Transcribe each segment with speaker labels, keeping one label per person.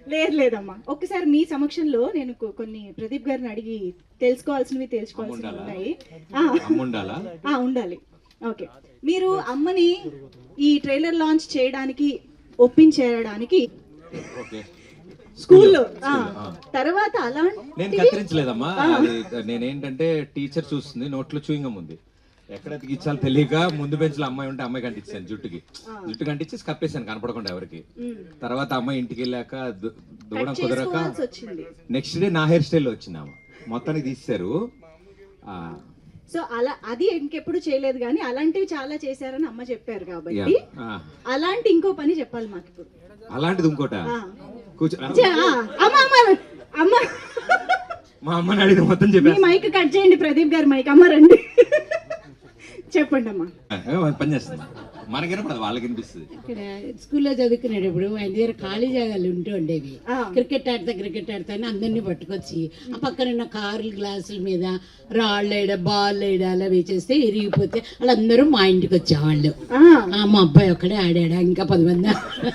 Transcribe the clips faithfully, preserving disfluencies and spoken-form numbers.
Speaker 1: లేదు లేదమ్మా, ఒక్కసారి మీ సమక్షంలో నేను కొ- కొన్ని ప్రదీప్ గారిని అడిగి తెలుసుకోవాల్సినవి తెలుసుకోవాల్సినవి ఉన్నాయి. ఆ,
Speaker 2: ఉండాలా?
Speaker 1: ఆ, ఉండాలి. ఓకే, మీరు అమ్మని ఈ ట్రైలర్ లాంచ్ చేయడానికి ఒప్పించేయడానికి
Speaker 2: ఓకే.
Speaker 1: స్కూల్లో తర్వాత అలా
Speaker 2: నేను కత్తిరించలేదమ్మా. అది నేనేంటంటే టీచర్ చూస్తుంది, నోట్లో చూయింగం ఉంది, ఎక్కడ ఎతికిచ్చాలో తెలియక ముందు బెంచ్లో అమ్మాయి ఉంటే అమ్మాయి కంటించాను, జుట్టుకి జుట్టు కంటించి కప్పేశాను కనపడకుండా ఎవరికి. తర్వాత అమ్మాయి ఇంటికి వెళ్ళాక దు- దూడం కుదరక
Speaker 1: వచ్చింది.
Speaker 2: నెక్స్ట్ డే నా హెయిర్ స్టైల్ వచ్చింది ఆమె, మొత్తానికి తీశారు. ఆ,
Speaker 1: సో అలా అది ఇంకెప్పుడు చేయలేదు, కానీ అలాంటివి చాలా చేశారని అమ్మ చెప్పారు కాబట్టి
Speaker 2: ఆ,
Speaker 1: అలాంటి ఇంకో పని చెప్పాలి మాకు ఇప్పుడు.
Speaker 2: అలాంటిది ఇంకోట
Speaker 1: ఆ.
Speaker 2: కూర్చో.
Speaker 1: చే- ఆ, అమ్మ అమ్మ అమ్మ
Speaker 2: మా అమ్మని అడిగిన మొత్తం
Speaker 1: మీ
Speaker 2: చెప్పాను.
Speaker 1: మైక్ కట్ చేయండి, ప్రదీప్ గారి మైక్. అమ్మ రండి, చెప్పండి అమ్మా.
Speaker 2: పని చేస్తుంది, మనకి వినపడదు, వాళ్ళకి వినిపిస్తుంది.
Speaker 3: ఇక్కడ స్కూల్లో చదువుకునేటప్పుడు ఆయన దగ్గర ఖాళీ జాగాలు ఉంటూ ఉండేవి.
Speaker 1: ఆ.
Speaker 3: క్రికెట్ ఆడతా క్రికెట్ ఆడతా అని అందరినీ పట్టుకొచ్చి ఆ పక్కన ఉన్న కార్లు గ్లాసుల మీద రాళ్ళు వేయడ బాల్ వేయడ అలా వేసేస్తే ఇరిగిపోతే వాళ్ళందరూ మా ఇంటికి వచ్చేవాళ్ళు.
Speaker 1: ఆ,
Speaker 3: ఆ, మా అబ్బాయి ఒక్కడే ఆడాడా, ఇంకా పది మంది.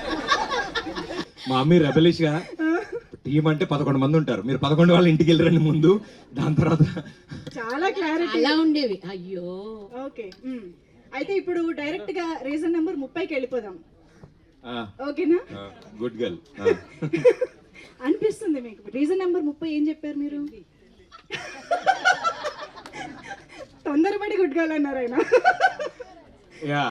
Speaker 2: మా మమ్మీ రెబలిష్ గా టీం అంటే పదకొండు మంది ఉంటారు, మీరు పదకొండు వాళ్ళ ఇంటికి వెళ్ళరండి ముందు, దాని తర్వాత
Speaker 1: చాలా క్లారిటీ.
Speaker 3: అలా ఉండేవి. అయ్యో,
Speaker 1: ఓకే, ఉమ్. అయితే ఇప్పుడు డైరెక్ట్ గా రీజన్ నెంబర్ ముప్పైకి వెళ్ళిపోదాం, ఓకేనా?
Speaker 2: Good girl.
Speaker 1: అనిపిస్తుంది మీకు రీజన్ నెంబర్ ముప్పై ఏం చెప్పారు మీరు? తొందరపడి గుడ్ గర్ల్ అన్నారు ఆయన.